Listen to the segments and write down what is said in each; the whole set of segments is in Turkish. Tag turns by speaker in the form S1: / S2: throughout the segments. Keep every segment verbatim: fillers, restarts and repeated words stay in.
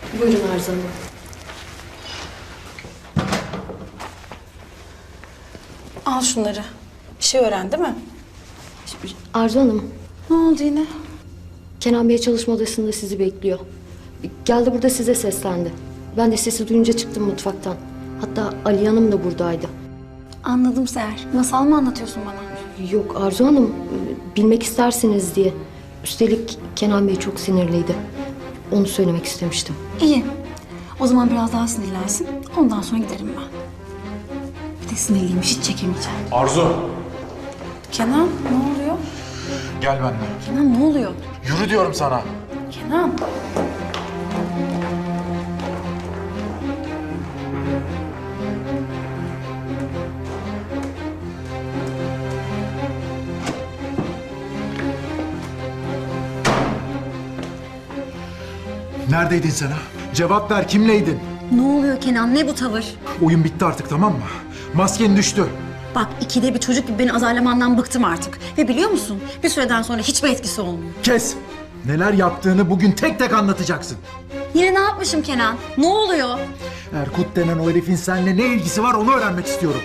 S1: Buyurun Arzu Hanım.
S2: Al şunları. Bir şey öğren değil mi?
S1: Arzu Hanım,
S2: Ne oldu yine?
S1: Kenan Bey çalışma odasında sizi bekliyor. Geldi burada size seslendi. Ben de sesi duyunca çıktım mutfaktan. Hatta Ali Hanım da buradaydı.
S2: Anladım Seher. Masal mı anlatıyorsun bana?
S1: Yok Arzu Hanım, bilmek istersiniz diye. Üstelik Kenan Bey çok sinirliydi. Onu söylemek istemiştim.
S2: İyi. O zaman biraz daha sinirlensin. Ondan sonra giderim ben. Bir de sinirliymiş, hiç çekemeyeceğim.
S3: Arzu,
S2: Kenan, ne oluyor?
S3: gel benimle.
S2: Kenan, ne oluyor?
S3: Yürü diyorum sana.
S2: Kenan.
S3: Neredeydin sen ha? Cevap ver, kimleydin?
S2: Ne oluyor Kenan? Ne bu tavır?
S3: Oyun bitti artık, tamam mı? Masken düştü.
S2: Bak, ikide bir çocuk gibi beni azarlamandan bıktım artık. Ve biliyor musun? Bir süreden sonra hiçbir etkisi olmuyor.
S3: Kes! Neler yaptığını bugün tek tek anlatacaksın.
S2: Yine ne yapmışım Kenan? Ne oluyor?
S3: Erkut denen o herifin seninle ne ilgisi var onu öğrenmek istiyorum.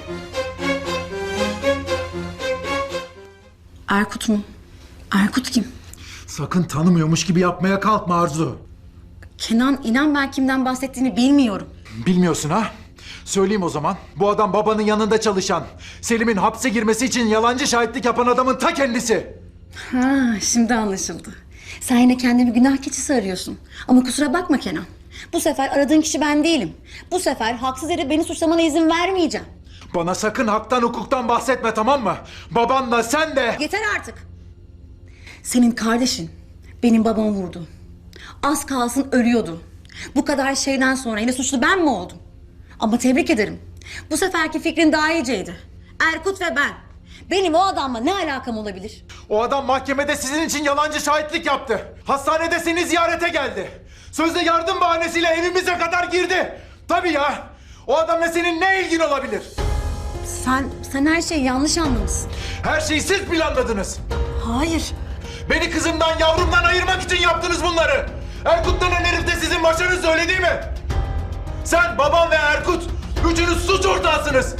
S2: Erkut mu? Erkut kim?
S3: Sakın tanımıyormuş gibi yapmaya kalkma Arzu.
S2: Kenan, inan ben kimden bahsettiğini bilmiyorum.
S3: Bilmiyorsun ha? Söyleyeyim o zaman. Bu adam babanın yanında çalışan, Selim'in hapse girmesi için yalancı şahitlik yapan adamın ta kendisi.
S2: Ha, şimdi anlaşıldı. Sen yine kendini günah keçisi arıyorsun. Ama kusura bakma Kenan. Bu sefer aradığın kişi ben değilim. Bu sefer haksız yere beni suçlamana izin vermeyeceğim.
S3: Bana sakın haktan hukuktan bahsetme, tamam mı? Babanla sen de...
S2: Yeter artık. Senin kardeşin benim babamı vurdu. Az kalsın ölüyordu. Bu kadar şeyden sonra yine suçlu ben mi oldum? Ama tebrik ederim. Bu seferki fikrin daha iyiceydi. Erkut ve ben. Benim o adamla ne alakam olabilir?
S3: O adam mahkemede sizin için yalancı şahitlik yaptı. Hastanede seni ziyarete geldi. Sözde yardım bahanesiyle evimize kadar girdi. Tabii ya. O adamla senin ne ilgin olabilir?
S2: Sen, sen her şeyi yanlış anlamışsın.
S3: Her şeyi siz planladınız.
S2: Hayır.
S3: Beni kızımdan, yavrumdan ayırmak için yaptınız bunları. Erkut denen herif de sizin başınızda, öyle değil mi? Sen, babam ve Erkut, üçünüz suç ortağısınız.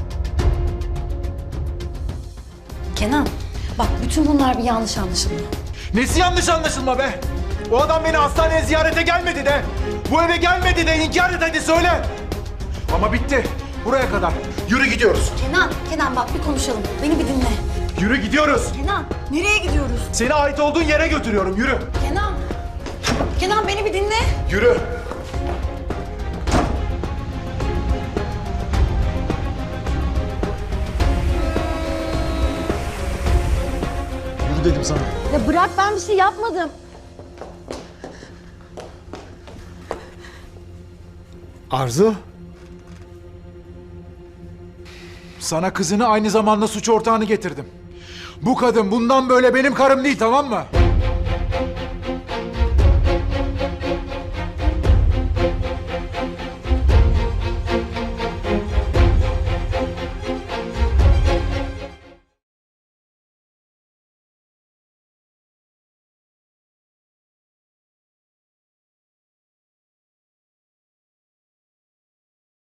S2: Kenan, bak bütün bunlar bir yanlış anlaşılma.
S3: Nesi yanlış anlaşılma be? O adam beni hastaneye ziyarete gelmedi de, bu eve gelmedi de, inkar et hadi söyle. Ama bitti. Buraya kadar. Yürü gidiyoruz.
S2: Kenan, Kenan bak bir konuşalım. Beni bir dinle.
S3: Yürü gidiyoruz.
S2: Kenan, nereye gidiyoruz?
S3: Seni ait olduğun yere götürüyorum. Yürü.
S2: Kenan, Kenan beni bir dinle.
S3: Yürü. Yürü dedim sana.
S2: Ya bırak, ben bir şey yapmadım.
S3: Arzu? Sana kızını aynı zamanda suç ortağını getirdim. Bu kadın bundan böyle benim karım değil, tamam mı?